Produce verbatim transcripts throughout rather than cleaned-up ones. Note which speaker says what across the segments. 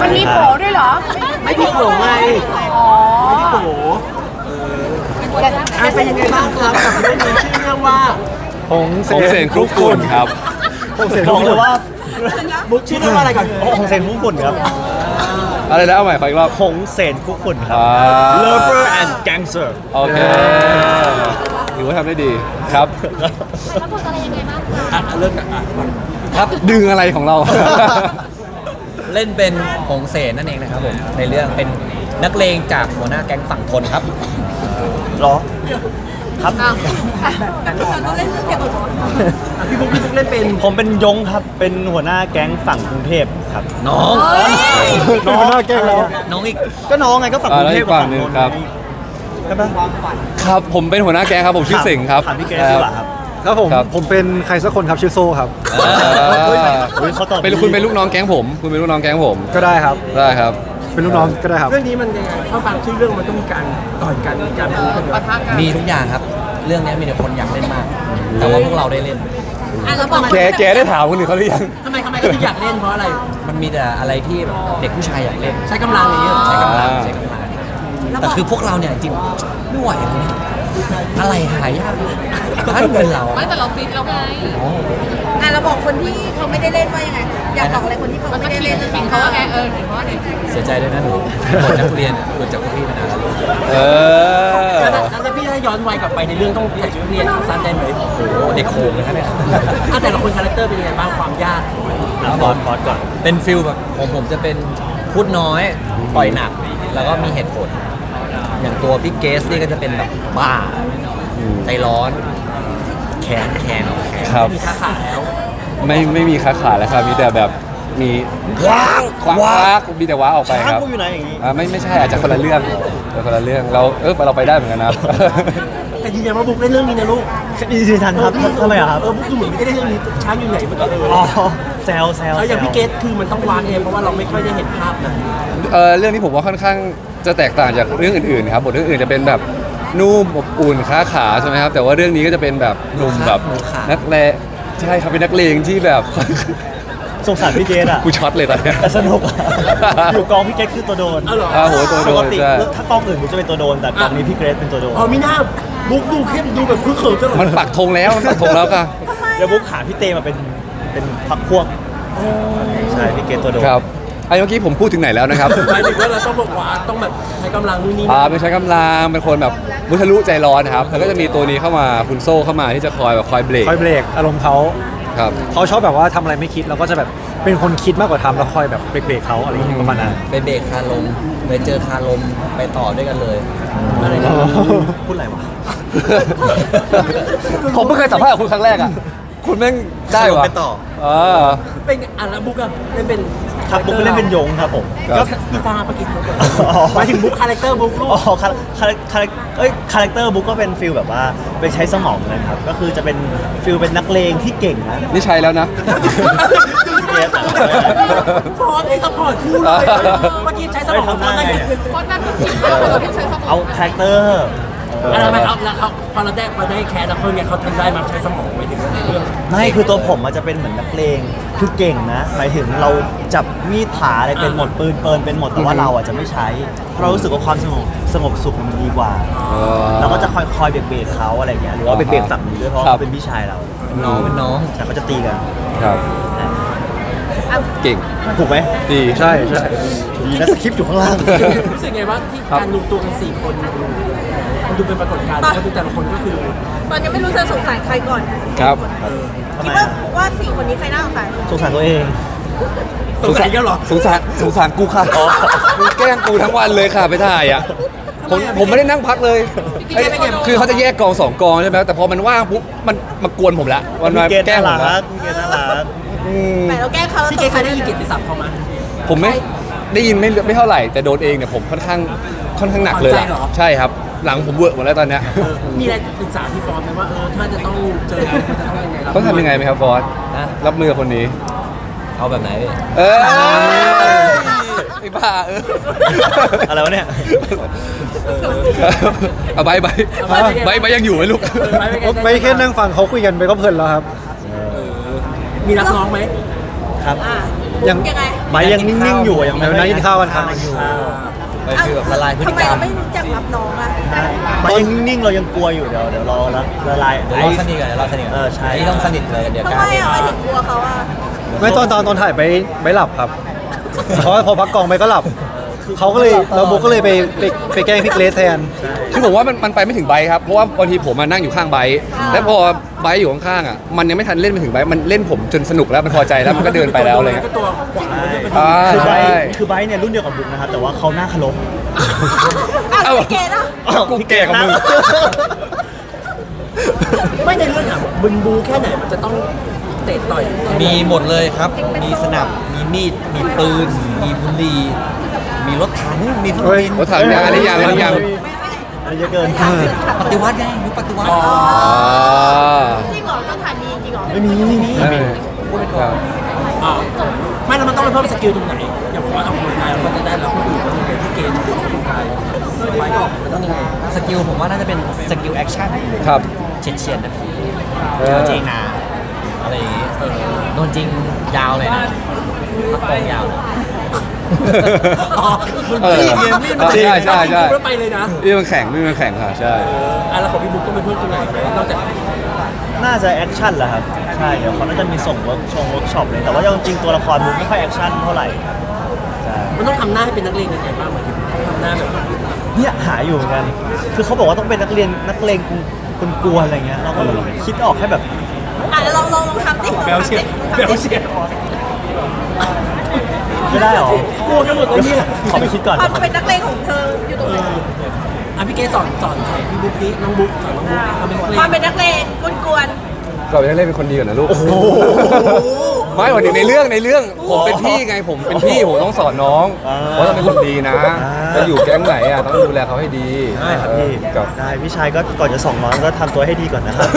Speaker 1: มันมีโผล่ด้วยเหรอ
Speaker 2: ไม่พี่โผล่ไง
Speaker 1: อ๋อ
Speaker 2: ไม่พี่โผล่เออเป็นยังไงบ้างครับกับเรื่องนี้ชื่อเรื่องว่า
Speaker 3: หงเสนครุกฝุ่นครับ
Speaker 2: หงเสนครุกฝุ่นว่ามุกชื่อเรื่องว่าอะไรก่อนหงเสนครุกฝุ่นครับ
Speaker 3: อะไรนะเอาใหม่ขออีกรอบ
Speaker 2: หงเสนครุกฝุ่นครับ Lover and Gangster
Speaker 3: โอเคถือว่าทำได้ดีครับ
Speaker 1: แล้วบทอะไรยังไงบ้างคะ
Speaker 2: เรื่องอ่ะ
Speaker 3: ครับดึงอะไรของเรา
Speaker 4: เล่นเป็นหงเสนนั่นเองนะครับผมในเรื่องเป็นนักเลงจากหัวหน้าแก๊งฝั่งทนครับ
Speaker 2: หรอครับ
Speaker 1: เราเล่นเรื่องเกี่ยวกับ
Speaker 2: พี่บุ๊กพี่บุ๊กเล่นเป็นผมเป็นยงครับเป็นหัวหน้าแก๊งฝั่งกรุงเทพครับ
Speaker 4: น้อง
Speaker 2: น้องหัวหน้าแก๊งแล้ว
Speaker 4: น้องอีก
Speaker 2: ก็น้องไงก็ฝั่งกรุงเทพกับฝั่งนนท์
Speaker 3: ครับ
Speaker 2: ใช่ปะ
Speaker 3: ครับผมเป็นหัวหน้าแก๊งครับผมชื่อเสงครับ
Speaker 2: ถามพี่เกรซดีกว่าครับ
Speaker 5: ครับผมผมเป็นใครสักคนครับชื่อโซ่ครับ
Speaker 3: เป็นคุณเป็นลูกน้องแก๊งผมคุณเป็นลูกน้องแก๊งผม
Speaker 5: ก็ได้ครับ
Speaker 3: ได้ครับ
Speaker 5: เป็นลูกน้องก็ได้ครับ
Speaker 2: เรื่องนี้มันยังไงถ้าฟังชื่อเรื่องมันต้องมีการต่อยกันมีการพูดกัน
Speaker 4: มีทุกอย่างครับเรื่องนี้มีแต่คนอยากเล่นมากแต่ว่าพวกเราได้เล่น
Speaker 3: แกแกได้ถามคนอื่นเขาหรือยัง
Speaker 2: ทำไมทำไมก็ถึงอยากเล่นเพราะอะไร
Speaker 4: มันมีแต่อะไรที่แบบเด็กผู้ชายอยากเล่น
Speaker 2: ใช้กำลังอย่างนี้
Speaker 4: ใช้กำลังใช้กำลังแต่คือพวกเราเนี่ยจริงไม่ไหวอะไรหายากถ้าเป็นเรา
Speaker 1: ไม่แต่เราฟิตเราไงอ่ะเราบอกคนที่เขาไม่ได้เล่นว่ายังไงอยากบอกอะไรคนที่เขาไม่ได้เล่นฟิตเขาว่าไงเออเขาว่าไง
Speaker 4: เสียใจด้วยนะหนูหมดนักเรียนหลุดจากพี่มานานแล้ว
Speaker 3: เออ
Speaker 2: แล้วพี่ถ้าย้อนวัยกลับไปในเรื่องต้องใส่ชุดเรียนสั้นได้ไหม
Speaker 4: โอ้โหเด็กโขงเลยครับเนี่ย
Speaker 2: แต่ละคนคาแรคเตอร์เป็นยังไงบ้างความยาก
Speaker 4: ฟอสฟอสก่อนเป็นฟิลแบบผมผมจะเป็นพูดน้อยปล่อยหนักแล้วก็มีเหตุผลอย่างตัวพี่เกสนี่ก็จะเป็นแบบบ้าใจร้อนแขนแขนแขน
Speaker 3: ไม่
Speaker 2: มีขาขาแล้ว
Speaker 3: ไม่ไม่มีขาขาแล้วครับมีแต่แบบมี
Speaker 2: ว้าง
Speaker 3: คว้างมีแต่ว้าออกไปครับ
Speaker 2: อยู่ไหนอย่างนี้
Speaker 3: อ่าไม่ไม่ใช่อาจจะคนละเรื่องคนละเรื่องเราเออเราไปได้เหมือนกันนะ
Speaker 2: แต่ยืนยันว่าบุ๊กเล่นเรื่องนี้นะลูกยืนยันครับทำไมครับเออบุ๊กดูเหมือนไม่ได้เล่นเรื่องนี้ช้างอยู่ไหนเมื่อกี้อ๋อแซวแซวแล้วอย่างพี่เกสคือมันต้องวางเองเพราะว่าเราไม่ค่อยได้เห็นภาพนะ
Speaker 3: เออเรื่องนี้ผมว่าค่อนข้างจะแตกต่างจากเรื่องอื่นๆครับบทเรื่องอื่นจะเป็นแบบนุ่มอบอุ่นค้าขาใช่ไหมครับแต่ว่าเรื่องนี้ก็จะเป็นแบบหนุ่มแบบนักเลงใช่ครับเป็นนักเลงที่แบบ
Speaker 2: สงสารพี่เกสอ่ะ
Speaker 3: กูช็อตเลยตอนนี้
Speaker 2: แต่สนุกอยู่กองพี่เกสคือตัวโดน
Speaker 3: อ้าวโหตัวโดนใช่
Speaker 2: ถ้ากองอื่นมันจะเป็นตัวโดนแต่กองนี้พี่เกสเป็นตัวโดนอ๋อมีหน้าบุ๊กดูเข้มดูแบบคุ้นเคยตลอด
Speaker 3: มันปักธงแล้วมันปักธงแล้วค่ะ
Speaker 2: เดี๋ยวบุ๊กหาพี่เตมาเป็นเป็นพักพวกใช่พี่เกสตัวโดน
Speaker 3: ครับไอ้เมื่อกี้ผมพูดถึงไหนแล้วนะครับ
Speaker 2: หมายถึงว่าเราต้องบอกว่าต้องแบบใช้กำลังนู่นนี่
Speaker 3: อ่าไม่ใช้กำลังเป็นคนแบบมุทะลุใจร้อนนะครับแล้วก็จะมีตัวนี้เข้ามาคุณโซ่เข้ามาที่จะคอยแบบคอยเบรก
Speaker 5: คอยเบรกอารมณ์เขา
Speaker 3: ครับ
Speaker 5: เขาชอบแบบว่าทำอะไรไม่คิดเราก็จะแบบเป็นคนคิดมากกว่าทำแล้วคอยแบบเบรกเขาอะไรอย่างเงี้ยประมาณนั้น
Speaker 4: ไปเบรกคาลมไปเจอคาลมไปต่อด้วยกันเลย
Speaker 2: อะไรนะพูดอะไรวะ
Speaker 3: ผมไม่เคยสัมภาษณ์กับคุณครั้งแรกอ่ะคุณแม่งได้วะ
Speaker 4: ไปต่อ
Speaker 3: เออ
Speaker 2: เป็นอ่ะแล้วบุ๊กอะเล่นเป็นครับบุ๊กเล่นเป็นยงครับผมก็พี่ฟ้าปะกินบุ๊กหมายถึงบุ๊กคาแรคเตอร์บุ๊กลูกอ๋อคาคาคาเอ้ยคาแรคเตอร์บุ๊กก็เป็นฟิลแบบว่าไปใช้สมองเลยครับก็คือจะเป็นฟิลเป็นนักเลงที่เก่งนะ
Speaker 3: นี่ใช่แล้วนะ
Speaker 2: ฟอร์ดไอ้ซัพพอร์ตคู่เลยเมื่อกี้ใช้สมองทำได้ไง
Speaker 1: ฟอร์ดนั่นก็ผิดมากเลยที่ใช้สมอง
Speaker 2: เอาคาแรคเตอร์อะไรไหมครับแล้วเขาพอเราได้พอได้แคสแล้วเขาเนี่ยเขาทำได้มาใช้สมองไปถึงในเรื่องไม่คือตัวผมมันจะเป็นเหมือนนักเลงคือเก่งนะหมายถึงเราจับมีดผาอะไรเป็นหมดปืนเปิลเป็นหมดแต่ว่าเราอ่ะจะไม่ใช้เพราะเรารู้สึกว่าความสงบสงบสุขมันดีกว่าเราก็จะคอยคอยเบรกเบรกเขาอะไรเงี้ยหรือว่าเบรกเบรกฝั่งนี้ด้วยเพราะเขาเป็นพี่ชายเรา
Speaker 4: น้องเป็นน้อง
Speaker 2: แต่เขาจะตีกัน
Speaker 3: ครับเก่ง
Speaker 2: ถูกไหม
Speaker 3: ดี
Speaker 5: ใช่ใช่
Speaker 2: ดีนะสคริปต์อยู่ข้างล่างรู้สึกไงว่าที่การรวมตัวกันสี่คนมันดูเป็นปรากฏการณ์เพราะแต่ละคนก็คือ
Speaker 1: ตอนยังไม่รู้จะสงสารใครก่อน
Speaker 3: ครับ
Speaker 1: คิดว่าว่าสี่คนนี้ใครน่าสงสาร
Speaker 2: สงสารตัวเองสงสารก็หรอ
Speaker 3: สงสารสงสารกูค่ะกูแกล้งกูทั้งวันเลยค่ะไปถ่ายอ่ะผมผมไม่ได้นั่งพักเลยคือเขาจะแยกกองสองกองใช่ไหมแต่พอมันว่างปุ๊บมันมากวนผมละวันมาแกล้งผมละ
Speaker 2: พี่เกศน่ารัก
Speaker 1: แต่เราแกล้งเขา
Speaker 2: พี่เกศเคยได้ยินเกียรติศัพท์เขาไหม
Speaker 3: ผมไม่ได้ยินไม่ไม่เท่าไหร่แต่โดนเองเนี่ยผมค่อนข้างค่อนข้างหนักเลยใช่ครับหลังผมเวิร์กหมดแล้วตอนเนี้ย
Speaker 2: มีอะไรปรึกษาพี่ฟอร์ดไหมว่าเออถ้าจะต้องเจอจะต้องยังไง
Speaker 3: ต้องทำยังไงไหมครับฟอร์ดรับมือคนนี้
Speaker 4: เอาแบบไหนพี่
Speaker 3: เออไอ้บ้าเออ
Speaker 2: อะไรวะเนี่ย
Speaker 3: เอาใบใบใบใบยังอยู่ไหมลูก
Speaker 5: ไปแค่นั่งฟังเขาคุยกันไปก็เพลินแล้วครับ
Speaker 2: มีนักร้องไหมครับ
Speaker 1: อ่ะ
Speaker 5: ยัง
Speaker 1: ยังไง
Speaker 2: ไบร์ทยังนิ่งๆอยู่อะยังไม่
Speaker 5: เดี๋ยวนั่งกินข้าวกันครับ
Speaker 2: อยู่
Speaker 4: ไปคือแบบละลายพฤติ
Speaker 1: ทำไม
Speaker 4: กรร
Speaker 1: เรา
Speaker 4: ม
Speaker 1: ไม่รู้จักรับน้องอ่ะ
Speaker 2: ไบร์ทยังนิ่งๆเรายังกลัวอยู่เดี๋ยวเดี๋ยวรอละละลาย
Speaker 4: เดี๋ยวเราสนิทกันเดี๋ยวเราสนิทกัน
Speaker 2: เออใช่
Speaker 4: นนี้ต้องสนิทเลยเดี๋ยว
Speaker 1: ทำ
Speaker 4: ก
Speaker 1: ไม
Speaker 4: ล้าเล่น
Speaker 1: อ่ะไม่ถึงกลัวเขาอ่ะ
Speaker 5: ไม่ตอนตอนตอนถ่ายไปไม่หลับครับ เพราะว่าพอพักกองไปก็หลับ เขาก็เลยเราโบก็เลยไปไปไปแกล้งพี่เกรซแทน
Speaker 3: คือผมว่ามันมันไปไม่ถึงไบค์ครับ เพราะว่าบางทีผมมานั่งอยู่ข้างไบค์แล้วพอไบค์อยู่ข้างๆอ่ะ มันยังไม่ทันเล่นไปถึงไบค์มันเล่นผมจนสนุกแล้วมันพอใจแล้วมันก็เดินไปแล้วอะไรเงี้ย
Speaker 6: ก็ตัวขวาแล้วก็เป็น
Speaker 3: อ่า
Speaker 2: คือไบ
Speaker 3: ใช่
Speaker 2: ร์ทคือไบร์ทเนี่ยรุ่นเดียวกับบุ๊กนะครับแต่ว่าเขาหน้าเคารพ
Speaker 1: อ่ะพี่เกดอ่ะ
Speaker 3: กูแก่กับมึง
Speaker 6: ไม่ในเรื่องถามว่าบึนบูแค่ไหนมันจะต้องเตะต่อย
Speaker 4: มีหมดเลยครับ มีสนับมีมีดมีปืน มีบุหรี่มีรถถังมีเครื่องบิน
Speaker 3: รถถังยังอันนี้ยังอันนี้ยัง
Speaker 2: อันนี้เยอะเกิน
Speaker 4: ปฏิวัติไงยุคปฏิวัติ
Speaker 3: อ่า
Speaker 1: จริงเหรอต้องถ่ายมีจริงเหรอ
Speaker 2: ไม่มีไม่มี
Speaker 3: ไม่มีครับ
Speaker 6: อ่าไม่แล้วมันต้องไปเพิ่มสกิลตรงไหน อย่างพอออกกำลังกายเราก็จะได้แล้วคนอื่นก็จะเป็นที่เกณฑ์ออกกำลังกายไปก็ออกมันต้องยังไง
Speaker 4: สกิลผมว่าน่าจะเป็นสกิลแอคชั่น
Speaker 3: ครับ
Speaker 4: เฉียดเฉียดๆนะพี่
Speaker 3: เออ
Speaker 4: โดนจริงนะอะไรอย่างงี้เออโดนจริงยาวเลยนะพักกองยาวเลย
Speaker 6: อ๋อ
Speaker 3: เออ
Speaker 6: มีดมีดมัน
Speaker 3: ใช่ใช่ใช่
Speaker 6: แล้วไปเลยนะ
Speaker 3: นี่มันแข่งนี่มันแข่งค่ะใช่
Speaker 6: อ่ะแล้วของพี่บุ๊กต้องไปเพิ่มตรงไหนนอกจาก
Speaker 2: น่าจะแอคชั่นแหละครับใช่เดี๋ยวเขาน่าจะมีส่งเวิร์กชงเวิร์กช็อปเลยแต่ว่าจริงๆตัวละครบุ๊กไม่ค่อยแอคชั่นเท่าไหร่ใช่
Speaker 6: มันต้องทำหน้าให้เป็นนักเลงยังไงบ้างหมายถึงต้องทำหน้าแบบ
Speaker 2: เนี่ยหาอยู่เหมือนกัน คือเขาบอกว่าต้องเป็นนักเรียนนักเลงคุณกลัวๆอะไรเงี้ยเราก็แบบคิดออกแค่แบบ
Speaker 1: อ่ะเดี๋ยวลองลองลองทำสิ
Speaker 6: เบลเชียเบลเชีย
Speaker 2: ไม่ได้หรอก
Speaker 6: ลัวกันหมดเลยเนี่ย
Speaker 2: ขอไปคิดก่อน
Speaker 1: ความเป็นนักเลงของเธออยู่ตรงไหน
Speaker 6: อ่ะพี่เกสอนสอนสอนพี่บุ๊กนี้น้องบุ๊กสอนน้องบุ๊กทำเป็นนักเลง
Speaker 1: ความเป็นนักเลงกวน
Speaker 3: ก็ยังเล่นเป็นคนดีก่อนนะลูกไม่หมายถึงในเรื่องในเรื่องผมเป็นพี่ไงผมเป็นพี่ผมต้องสอนน้องว่าต้องเป็นคนดีนะจะอยู่แก๊งไหนอ่ะต้องดูแลเขาให้ดี
Speaker 2: ได้ครับพี่
Speaker 3: เออกับ
Speaker 2: ได้พี่ชายก็ก่อนจะส่งน้องก็ทำตัวให้ดีก่อนนะครับ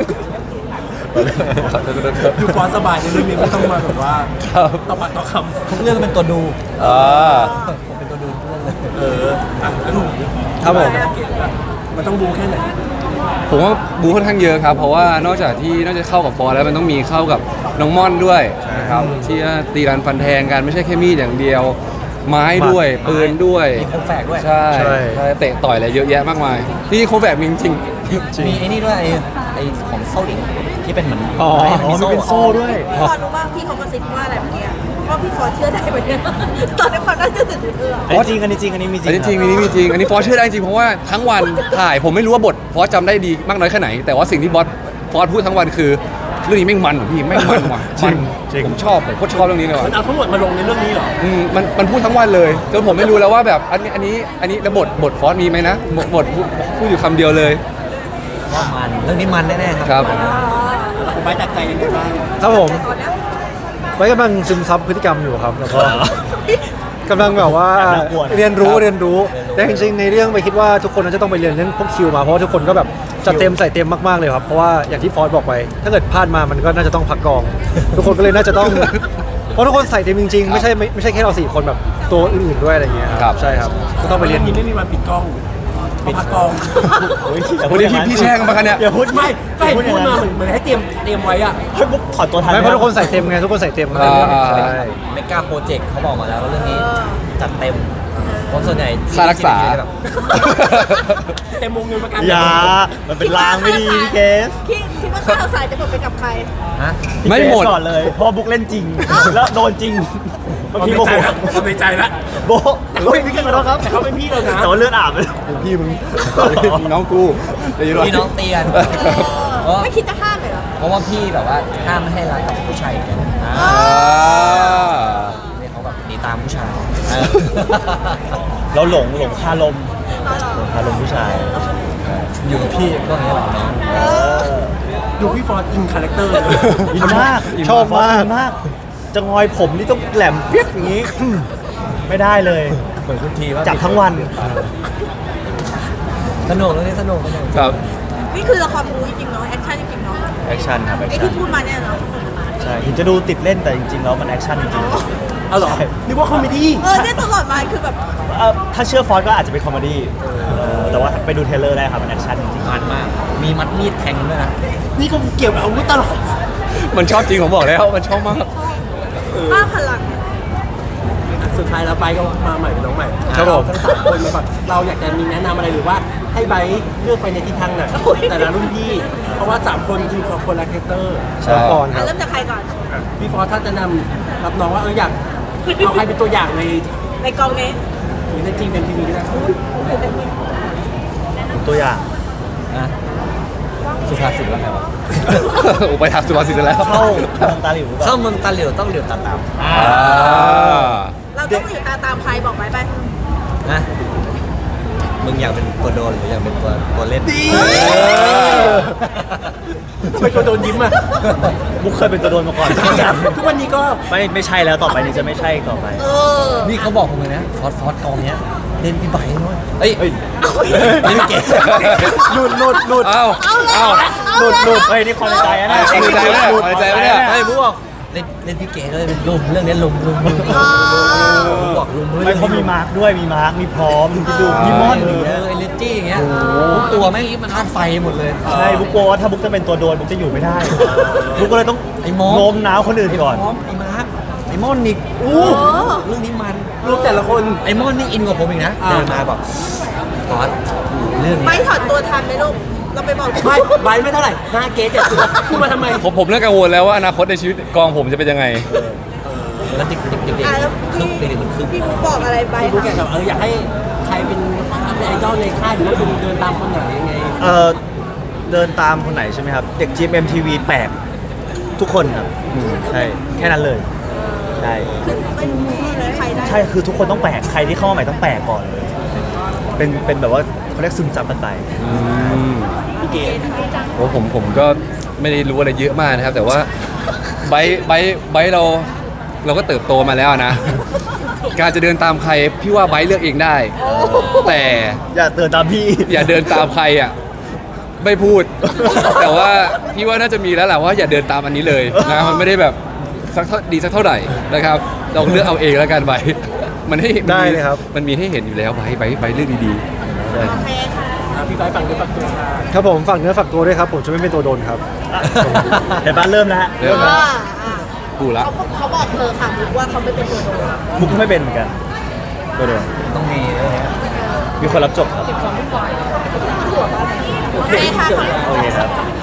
Speaker 6: ดูฟอนสบายในเรื่องนี้ไม่ต้องมาแบบว่า
Speaker 3: ครับ
Speaker 6: ต่อปากต่อค
Speaker 4: ทุกเรื่องเป็นตัวดู
Speaker 3: อ่า
Speaker 4: ผมเป็นตัวดูทุกเรื่องเลย
Speaker 6: ำเอออ่ะแล้วหนู
Speaker 5: ครับผม
Speaker 6: เก่งอะมันต้องบูแค่ไหน
Speaker 3: ผมว่าบูค่อนข้างเยอะครับ เพราะว่านอกจากที่นอกจากเข้ากับฟอร์แล้วมันต้องมีเข้ากับน้องม่อนด้วยนะครับที่ตีรันฟันแทงกันไม่ใช่แค่มีดอย่างเดียว ไม้ด้วยปืนด้วย
Speaker 4: มีโคมแฝกด้วย
Speaker 3: ใช่
Speaker 5: ใช่
Speaker 3: ใช่เตะต่อยอะไรเยอะแยะมากมายที่โคแฝกมีจริง
Speaker 4: มีไอ้นี่ด้วยไอ้ไอ้ของโซ่ดิที่เป็นเหมือน
Speaker 5: อ๋อ
Speaker 4: ไม้
Speaker 2: อ๋อมันเป็นโซ่ด้วย
Speaker 1: พี่ฟอนรู้ว่าพี่เขากระซิบว่าอะไรเมื่อกี้ว่าพี่ฟอนเชื่อได้ไหมเนี่ยตอนนี้ความน่าเชื่อถือเออ
Speaker 2: อันนี้จริงอันนี้จริงอันนี้มีจริ
Speaker 3: อันนี้จริงอันนี้มีจริงอันนี้ฟอสเชื่อได้จริงเพราะว่าทั้งวันถ่ายผมไม่รู้ว่าบทฟอสจำได้ดีมากน้อยแค่ไหน แต่ว่าสิ่งที่บอสฟอสพูดทั้งวันคือเรื่องนี้แม่งมันเหรอพี่แม่งมันว่ะมันผมชอบผมโคตรชอบเรื่องนี้เลย
Speaker 6: มัน
Speaker 3: ว่ะ
Speaker 6: เอาทั้งหมดมาลงในเรื่องนี้เหรอ
Speaker 3: อืมมันมันพูดทั้งวันเลยจนผมไม่รู้แล้วว่าแบบอันนี้อันนี้อันนี้แล้วบทบทฟอสมีไหมนะบทบทพูดพูดอยู่คำเดียวเลย
Speaker 4: ว่ามันเรื่องนี้มันแน่ๆ
Speaker 3: ค
Speaker 4: ค
Speaker 3: รั
Speaker 4: รับ
Speaker 6: ผมไปจากใจยังไงบ้าง
Speaker 5: ครับผม
Speaker 1: ตอนนี้
Speaker 5: ไว้กำลังซึมซับพฤติกรรมอยู่ครับแล้วก็กำลังแบบว่า
Speaker 2: แอบน่ากลัวนะ
Speaker 5: เรียนรู้เรียนรู้แต่จริงๆในเรื่องไปคิดว่าทุกคนน่าจะต้องไปเรียนเรื่องพวกคิวมาเพราะว่าทุกคนก็แบบจัดเต็มใส่เต็มมากๆเลยครับเพราะว่าอย่างที่ฟอสบอกไป ถ้าเกิดพลาดมามันก็น่าจะต้องพักกอง ทุกคนก็เลยน่าจะต้องเพราะทุกคนใส่เต็มจริงๆไม่ใช่ไม่ไม่ใช่แค่เราสี่คนแบบตัวอื่นๆด้วยอะไรเงี้ยครับใช่ครับก็ต้องไปเรียน
Speaker 6: นี้ไม่มีวันปิดกล้องปิดกล้อง
Speaker 2: โอ้ยอย่า
Speaker 3: วันนี้พี่พี่แช่งกันมาคะเนี่ย
Speaker 2: อย่าพูด
Speaker 6: ไม่ก็เห็น
Speaker 2: อย่
Speaker 6: พูด
Speaker 2: ง
Speaker 6: มา
Speaker 2: นั้น
Speaker 6: เหมือนเหมือนให้เตรียมเตรียมไว้อะ
Speaker 2: เฮ้ยบุ๊กถอดตัวทัน
Speaker 5: ไม่เพราะ
Speaker 2: ห
Speaker 5: ทุกคนใส่เต็มไงทุกคนใส่เต็ม
Speaker 3: อ่า
Speaker 5: ใช่
Speaker 4: เมกาโปรเจกต์เขาบอกมาแล้วว่าเรื่องนี้จัดเต็มคนส่วนใหญ่
Speaker 3: ค่ารักษา
Speaker 4: ที่แบบ
Speaker 6: เต็มวงเงินประกัน
Speaker 2: อย่ามันเป็นลางไม่ดีพี่เกส
Speaker 1: คิดคิดว่าข้าวสายจะหมดไปกับใคร
Speaker 4: ฮะ
Speaker 3: ไม่หมด
Speaker 2: พี่เกสก่อนเลยเพราะว่าบุ๊กเล่นจริง แล้วโดนจริงเมื่อ
Speaker 6: เขา
Speaker 2: กี้
Speaker 6: ใน
Speaker 2: โม
Speaker 6: ใจ
Speaker 2: โห
Speaker 6: ละเขาในใจละ
Speaker 2: โบะโอ้ยพี่เกสขอโทษครับ
Speaker 6: แต่เขาเป็นพี่เรานะ
Speaker 2: แต่ว่าเลือดอาบเลย
Speaker 3: พี่มึงน้องกูเดี๋ยว
Speaker 4: พี่น้องเตียน
Speaker 1: เออไม่คิดจะห้ามเลยเหรอ
Speaker 4: เพราะว่าพี่แบบว่าห้ามไม่ให้รักกับผู้ชายอีกแล้วอ่า
Speaker 3: อ่า
Speaker 4: เนี่ยเขาแบบหนีตามผู้ชายเออ
Speaker 2: เราหลงหลงคาลมหลงคาลมผู้ชาย
Speaker 4: อยู่กับพี่ก็อย่างนี้แหละน้อง
Speaker 6: ดูพี่ฟอร์ดอินคาแรคเตอร์เลย
Speaker 2: อินมาก
Speaker 5: ชอบมาก
Speaker 2: อินมาก จะงอยผมนี่ต้องแหลมเปียกอย่างนี้ ไม่ได้เลย
Speaker 4: เหมือนคุณทีว่า
Speaker 2: จับทั้งวัน
Speaker 4: สนุกเรื่องนี้สนุกสนุก
Speaker 3: ครับ
Speaker 1: นี่คือละครบู๊จริงๆเนาะแอคชั่นจริงๆเนาะ
Speaker 2: แอคชั่นครับแอค
Speaker 1: ไอ้
Speaker 2: ชั่
Speaker 1: ที่
Speaker 2: น
Speaker 1: พูดมาเนี่ยเนาะ
Speaker 2: ใช่ถึงจะดูติดเล่นแต่จริงๆแล้วมันแอคชั่นจริง
Speaker 6: เอาเหรอนึกว่าคอมเมดี้
Speaker 1: เออเนี่ยตลอดมาคือแบบ
Speaker 2: ๆเอ่อถ้าเชื่อฟอนต์ก็อาจจะเป็นคอมเมดี้เออแต่ว่าไปดูเทรลเลอร์ได้ครับมันแอคชั่นจริง
Speaker 4: มันมาก มีมัดมีดแทงด้วยนะ
Speaker 6: นี่ก็เกี่ยวกับอาวุธตลอด
Speaker 3: มันชอบจริงผมบอกแล้วมันชอบมาก
Speaker 1: เบ้าพลัง
Speaker 6: สุดท้ายแล้วไปก็มาใหม่เป็นน้องใหม่
Speaker 5: ครับผม
Speaker 6: เาทั้งสามคนมาก่อนเราอยากจะมีแนะนำอะไรหรือว่าให้ไบร์ทเลือกไปในทิศทางไหนแต่ละรุ่นพี่ เพราะว่าสามคนคือคนละคาแรคเตอร์
Speaker 2: ใช่
Speaker 5: ก่อนค
Speaker 1: อ่ะ
Speaker 5: รับ
Speaker 1: เริ่มจากใครก่อน
Speaker 6: พี่ฟอสถ้าจะนำรับน้องว่าเอออยากเอาใครเป็นตัวอย่างใน
Speaker 1: ในกองนี้
Speaker 6: หรือในทีมเป็นทีวีก็ได้
Speaker 2: ตัวอย่าง
Speaker 4: นะสุภาษิตว่าไงวะ
Speaker 3: โอ้ไปทางสุภาษิตแล้ว
Speaker 2: เข้าเมืองตาหลิวหรือเป
Speaker 4: เข้า
Speaker 2: ล่า
Speaker 4: เมืองตาเหลียวต้องเหลียวตาตาม
Speaker 3: อ่า
Speaker 1: เราต้องอยู่ตาตามใครบอกไปไป
Speaker 4: นะมึงอยากเป็นตัวโดนหรืออยากเป็นตัวตัวเล่น
Speaker 6: ทำไมตัวโดนยิ้มอ่ะ
Speaker 2: มุกเคยเป็นตัวโดนมาก่อน
Speaker 6: ทุกวันนี้ก็
Speaker 2: ไม่ไม่ใช่แล้วต่อไปนี้จะไม่ใช่อีกต่อไป
Speaker 1: เออ
Speaker 4: นี่เขาบอกผมเลยนะฟอสฟอสกองเนี้ยเล่นพี่ไบร์ทด้วยเอ้ย
Speaker 2: เฮ้ย
Speaker 4: เล่นเก๋
Speaker 2: หลุดหลุดหลุด
Speaker 3: เอ้า
Speaker 1: เอาเลย
Speaker 3: เอ้า
Speaker 2: หลุดหลุดเฮ้ยนี่ความในใจนะ
Speaker 3: ความในใจปะเนี่ยความในใจปะเนี่ย
Speaker 4: ไอ้พวกเล่นเล่นพี่เก๋ด้วยเป็นลุมเรื่องนี้ลุมลุมลุม
Speaker 1: อ๋อ
Speaker 4: ผมบอกลุม
Speaker 2: ไม่เขามีมาร์คด้วยมีมาร์คมีพร้อมมีดูมีมอนอย่าง
Speaker 4: เอ
Speaker 2: เงี้ย
Speaker 4: อไอ้เลจี้อย่างเงี้ยทุกตัวแม่งมันธาตุไฟหมดเลย
Speaker 2: ใช่บุ๊กโกลัวว่าถ้าบุ๊กจะเป็นตัวโดนบุ๊กจะอยู่ไม่ได้บุ๊กก็เลยต้อง
Speaker 4: ไอ้มอส
Speaker 2: โน้มน้าวคนอื่นก่อน
Speaker 4: พร้อมไอ้มาร์คไอ้มอนอีก
Speaker 1: โอ้
Speaker 4: เรื่องนี้มัน
Speaker 6: รูปแต่ละคน
Speaker 4: ไอ้มอนนี่อินกว่าผมอีกนะ
Speaker 6: อ่า
Speaker 4: เดินมาบอกฟอสเรื่อง
Speaker 1: ไป
Speaker 4: นี้
Speaker 1: ถอดตัวทันไหมลูก เราไปบอก
Speaker 6: ไม่ไบร์ทไม่เท่าไหร่ห้าเกตเจ็ดสิบพูดมาทำไม
Speaker 3: ผมผมเริ่มกังวลแล้วว่าอนาคตในชีวิตกองผมจะเป็นยังไง
Speaker 4: แล้วเด็กเด็กเด็กเด็ก
Speaker 1: อ่ะแล้ว
Speaker 4: ครึ่
Speaker 1: พี่
Speaker 4: งเด็กมันครึ่ง
Speaker 1: พี่บุ๊กบอกอะไรไป
Speaker 6: พี่พูดแกแบบเอออยากให้ใครเป็นไอดอลในค่ายหรือว่าคุณเดินตามคนไหนยังไง
Speaker 2: เออเดินตามคนไหนใช่ไหมครับ เด็ก จี เอ็ม ที วี แปลกทุกคนครับอืมใช่แค่นั้นเลยใช่
Speaker 1: คือไม่รู้เลยใครได้
Speaker 2: ใช่คือทุกคนต้องแปลกใครที่เข้ามาใหม่ต้องแปลกก่อนเลยเป็นเป็นแบบว่าเขาเรียกซึมซับกันไป
Speaker 6: พี่เกต
Speaker 3: โอ้ผมผมก็ไม่ได้รู้อะไรเยอะมากนะครับ แต่ว่าไบร์ทไบร์ทไบร์ทเราเราก็เติบโตมาแล้วนะ การจะเดินตามใครพี่ว่าไบร์ทเลือกเองได้ แต่
Speaker 2: อย่าเตือนตามพี่
Speaker 3: อย่าเดินตามใครอ่ะไม่พูด แต่ว่าพี่ว่าน่าจะมีแล้วแหละว่าอย่าเดินตามอันนี้เลยนะมันไม่ได้แบบสักเท่าดีสักเท่าไหร่นะครับลองเลือกเอาเองแล้วกันไบร์ทมันให้มันมี
Speaker 5: ได้เลยครับ
Speaker 3: มันมีให้เห็นอยู่แล้วไบร์ทไบร์ทไบร์ทเลือกดีๆ
Speaker 1: โอเคค่ะ
Speaker 6: อ่ะพี่ไบร์ทฟังด้วยฟังตัวค่ะ
Speaker 5: ครับผมฝากเนื้อฝากตัวด้วยครับผมจะไม่เป็นตัวโดนครับ
Speaker 2: เดี๋ยวบ้านเริ่มแล้วฮะ
Speaker 3: เริ่ม
Speaker 1: อ่า
Speaker 3: แล้ว
Speaker 1: อ่า
Speaker 3: กูละ
Speaker 1: เขาเขาบอกเธอค่ะบุ๊กว่าเขาไม่เป็นตัวโดน
Speaker 2: มุกก็ไม่เป็นเหมือนกันตัวเดิม
Speaker 4: ต้องมีเรื่องนี้
Speaker 2: มีคนรับจบครับ
Speaker 1: โอเคค่ะ
Speaker 2: โอเคครับ